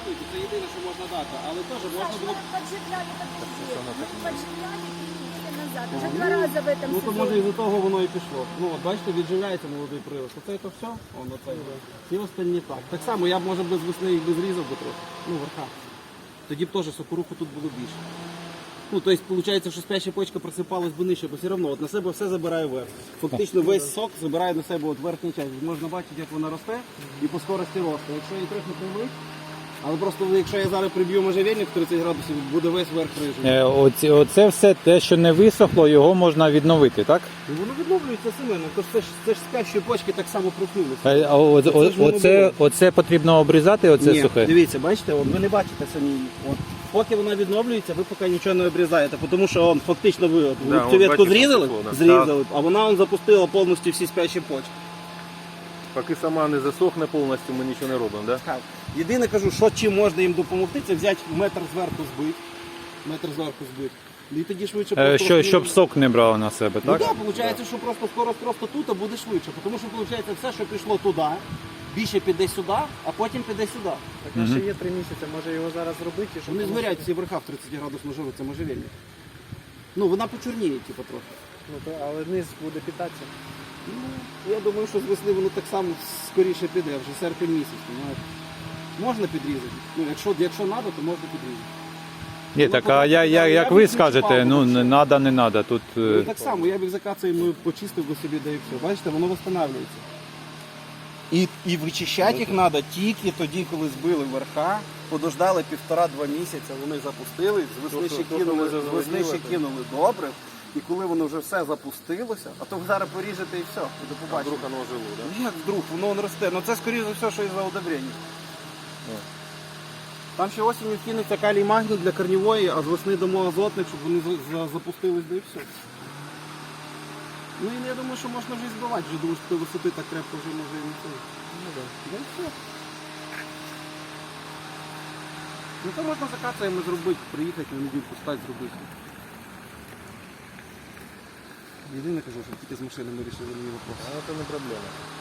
коштують, і це єдине, що можна дати. Але теж можна було... Поджигляли так везде. Поджигляли и неделю назад. Уже 2 раза в этом Ну то може сезоне. із-за того воно і пішло. Ну от бачите, відживляється молодий прирост. Оце то все, воно це. Всі остальні так. Так само я б може без весни їх би зрізав би трохи. Ну, верха. Тоді б теж сокоруху тут було більше. Ну, тобто, виходить, що спяща почка просипалась би нижче, бо все одно от на себе все забирає вверх. Фактично весь сок забирає на себе от верхню частину. Можна бачити, як вона росте і по скорості росту. Якщо її трохи привить, але просто якщо я зараз приб'ю можжевельник в 30 градусів, буде весь верх рижий. Оце все те, що не висохло, його можна відновити, так? І воно відновлюється саме, тож це ж спящі почки так само проснулися. Оце потрібно обрізати, оце Ні, сухе? дивіться, бачите, от ви не бачите самі її. От. Поки вона відновлюється, ви поки нічого не обрізаєте, тому що фактично ви цю ветку зрізали, а вона запустила повністю всі спящі почки. Поки сама не засохне повністю, ми нічого не робимо, так? Так. Єдине кажу, що чим можна їм допомогти, це взяти метр зверху збити. І тоді швидше просто... Щоб сок не брав на себе, Ну так? так, виходить, що просто скорость просто тут, а буде швидше. Тому що, виходить, все, що пішло туди, більше піде сюди, а потім піде сюди. Так у нас ще є 3 місяці, може його зараз зробити? Щоб Вони згорять всі верха в 30 градусну жару, це можжевельник. Ну, вона почорніє, типу, трохи. Ну, то, але низ буде питатися. Ну, я думаю, що з весни воно так само скоріше піде, вже серпень місяць, понимаєте. Можна підрізати. Ну, якщо треба, то можна підрізати. Ні, так, а як ви скажете, ну, не треба, не треба. Тут... Ну, так само, я б закацею, почистив би собі, да і все. Бачите, воно встановлюється. І вичищати їх треба тільки тоді, коли збили верха, подождали 1,5-2 місяці, вони запустили, з весни ще кинули добре. І коли воно вже все запустилося, а то ви зараз поріжете і все, і до побачення. Вдруг воно жило, так? Ну, як вдруг, воно росте. Ну це скоріше за все, що із-за удобрення. Там ще осінню кинеться калій магній для корневої, а з весни дамо азотник, щоб вони запустились, да і все. Ну і я думаю, що можна вже і збивати, вже думаю, що до висоти так крепко вже може і не це. Ну так. Да і все. Ну то можна закацаємо зробити, приїхати, на неділю стати зробити. Єдине кажу, що тільки з машинами вирішили мені вопрос. А це не проблема.